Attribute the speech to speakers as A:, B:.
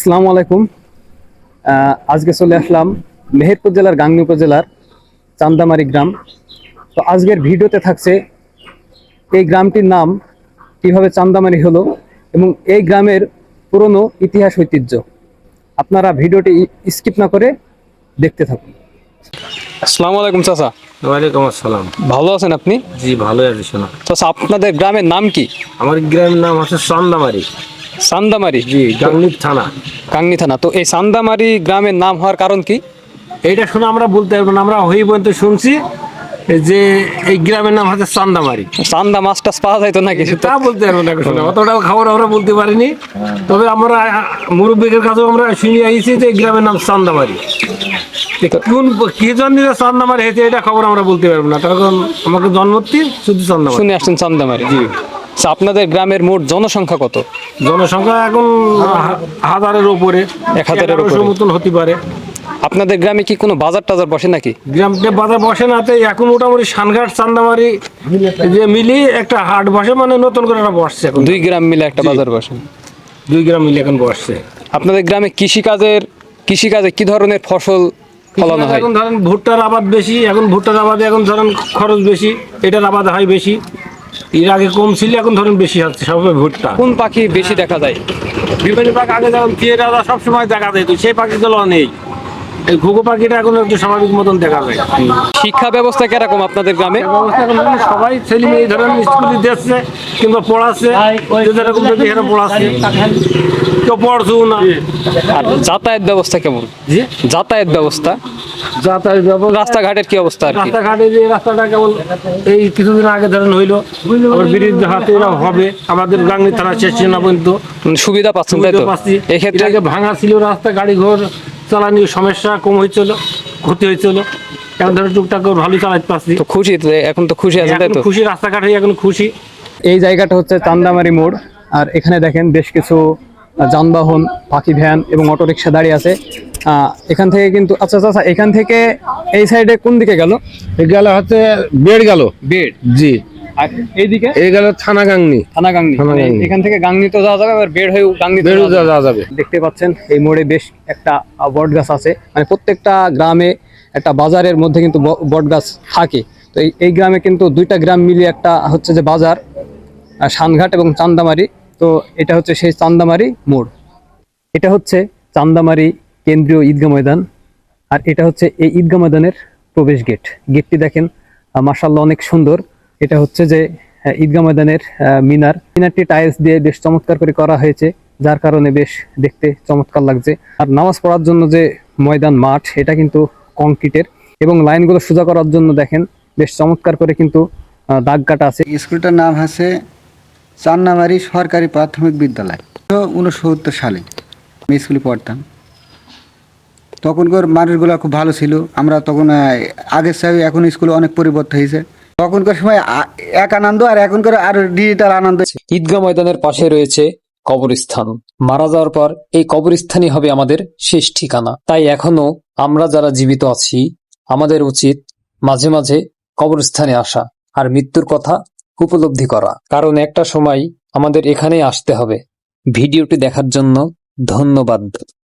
A: আসসালামু আলাইকুম। আজকে চলে আসলাম মেহেরপুর জেলার গাংনী উপজেলার চান্দামারি গ্রাম। তো আজকের ভিডিওতে থাকছে এই গ্রামটির নাম, কিভাবে চান্দামারি হলো এবং এই গ্রামের পুরনো ইতিহাস ঐতিহ্য। আপনারা ভিডিওটি স্কিপ না করে দেখতে থাকুন। আসসালামু আলাইকুম চাচা।
B: ওয়ালাইকুম আসসালাম।
A: ভালো আছেন আপনি?
B: জি ভালো আছি। শোনা,
A: চাচা আপনাদের গ্রামের নাম কি?
B: আমার গ্রামের নাম হচ্ছে চান্দামারি।
A: চান্দামারি?
B: জি, গাংনী থানা।
A: গাংনী থানা। তো এই চান্দামারি গ্রামের নাম হওয়ার কারণ কি?
B: এইটা শুনে আমরা বলতে পারবো না, আমরা হই পর্যন্ত শুনছি যে এই গ্রামের নাম হচ্ছে চান্দামারি।
A: চান্দা মাছ টাছ পাওয়া যায় তো নাকি?
B: তা বলতে পারবো না, শোনা অতটাও খবর আমরা বলতে পারিনি। তবে আমরা মুরব্বীদের কাছেও আমরা শুনে আইছি যে এই গ্রামের নাম চান্দামারি। কোন কি জন্য চান্দামারি হয়েছে এটা খবর আমরা বলতে পারবো না, তখন আমাকে জন্মতি শুধু চান্দামারি
A: শুনে আসছেন চান্দামারি।
B: জি।
A: আচ্ছা, আপনাদের গ্রামের মোট জনসংখ্যা কত?
B: জনসংখ্যা এখন হাজারের উপরে,
A: 1000-এর উপরে
B: মতন হতে পারে।
A: আপনাদের গ্রামে কি কোনো বাজার টাজার বসে নাকি?
B: গ্রামে বাজার বসে না, তাই এখন মোটামুটি সানঘাট চান্দামারি যে মিলি একটা হাট বসে, মানে নতুন করে একটা বসছে এখন।
A: দুই গ্রাম মিলে একটা বাজার বসে।
B: দুই গ্রাম মিলে এখন বসছে।
A: আপনাদের গ্রামে কৃষিকাজে কি ধরনের ফসল ফলানো হয়?
B: এখন ধরেন ভুট্টার আবাদ বেশি, এখন ভুট্টার আবাদে এখন ধরেন খরচ বেশি, এটার আবাদ হয় বেশি। এর আগে কম ছিল, এখন ধরেন বেশি হচ্ছে সব ভুট্টা।
A: কোন পাখি বেশি দেখা যায়?
B: বিভিন্ন পাখি আগে যেমন টিয়েরা সবসময় দেখা যায়, তো সেই পাখিগুলো নেই। এই ঘুঘু পাখিটা এখন একটু স্বাভাবিক মতন দেখা যায়।
A: শিক্ষা ব্যবস্থা কিরকম আপনাদের গ্রামে?
B: ব্যবস্থা এখন ধরেন সবাই ছেলে মেয়ে ধরেন স্কুলে দিচ্ছে কিংবা পড়াচ্ছে, যেরকম দেখি এরা পড়াচ্ছে, কেউ পড়ছেও না।
A: আর যাতায়াত ব্যবস্থা কেমন?
B: জি,
A: যাতায়াত ব্যবস্থা,
B: যাতায়াত ব্যবস্থা,
A: রাস্তাঘাটের কি অবস্থা আর কি?
B: রাস্তাঘাটে যে রাস্তাটা কেমন এই কিছুদিন আগে ধরেন হইলো, আবার ব্রিজ হাতে এরা হবে আমাদের গাংনী থানা শেষ না পর্যন্ত
A: সুবিধা পাচ্ছেন তাই তো?
B: পাচ্ছি।
A: এক্ষেত্রে
B: এটাকে ভাঙা ছিল রাস্তা, গাড়ি ঘোড় চালানোর সমস্যা কম হয়েছিল, ক্ষতি হয়েছিল। এখন ধরেন টুকটাক করে ভালোই চালাতে পারছি।
A: তো খুশি তো, এখন তো খুশি আছেন তাই তো?
B: খুশি, রাস্তাঘাটে এখন খুশি।
A: এই জায়গাটা হচ্ছে চান্দামারি মোড়। আর এখানে দেখেন বেশ কিছু যানবাহন, পাখি ভ্যান এবং অটোরিকশা দাঁড়িয়ে আছে। এখান থেকে কিন্তু আচ্ছা আচ্ছা, এখান থেকে এই সাইডে কোন দিকে গেল?
B: গেল হচ্ছে বেড় গেল,
A: বেড়।
B: জি।
A: আর এইদিকে
B: এই গেল থানা গাংনী।
A: থানা গাংনী।
B: থানা গাংনী।
A: এখান থেকে গাংনী তো যাওয়া যাবে, আবার বেড় হয়ে গাংনী
B: যাওয়া যাবে।
A: দেখতে পাচ্ছেন এই মোড়ে বেশ একটা বট গাছ আছে। মানে প্রত্যেকটা গ্রামে একটা বাজারের মধ্যে কিন্তু বট গাছ থাকে। তো এই গ্রামে কিন্তু দুইটা গ্রাম মিলিয়ে একটা হচ্ছে যে বাজার, সানঘাট এবং চান্দামারি। তো এটা হচ্ছে সেই চান্দামারি মোড়। এটা হচ্ছে চান্দামারি কেন্দ্রীয় ঈদগাহ ময়দান। আর এটা হচ্ছে এই ঈদগাহ ময়দানের প্রবেশ গেট। গেটটি দেখেন মাশাআল্লাহ অনেক সুন্দর। এটা হচ্ছে যে ঈদগাহ ময়দানের মিনারটি টাইলস দিয়ে বেশ চমৎকার করে করা হয়েছে, যার কারণে বেশ দেখতে চমৎকার লাগছে। আর নামাজ পড়ার জন্য যে ময়দান মাঠ, এটা কিন্তু কংক্রিটের, এবং লাইনগুলো সোজা করার জন্য দেখেন বেশ চমৎকার করে কিন্তু দাগ কাটা আছে।
C: স্কুলটার নাম আছে চান্নামারি সরকারি প্রাথমিক বিদ্যালয়। 1969 সালে আমি স্কুলে পড়তাম। তখনকার মানুষগুলো খুব ভালো ছিল। আমরা তখন আগের চাই এখন স্কুলে অনেক পরিবর্তন হয়েছে। তখনকার সময় এক আনন্দ, আর এখনকার আর ডিজিটাল আনন্দ।
A: ঈদগাহ ময়দানের পাশে রয়েছে কবরস্থান। মারা যাওয়ার পর এই কবরস্থানই হবে আমাদের শেষ ঠিকানা। তাই এখনো আমরা যারা জীবিত আছি, আমাদের উচিত মাঝে মাঝে কবরস্থানে আসা আর মৃত্যুর কথা উপলব্ধি করা, কারণ একটা সময় আমাদের এখানেই আসতে হবে। ভিডিওটি দেখার জন্য ধন্যবাদ।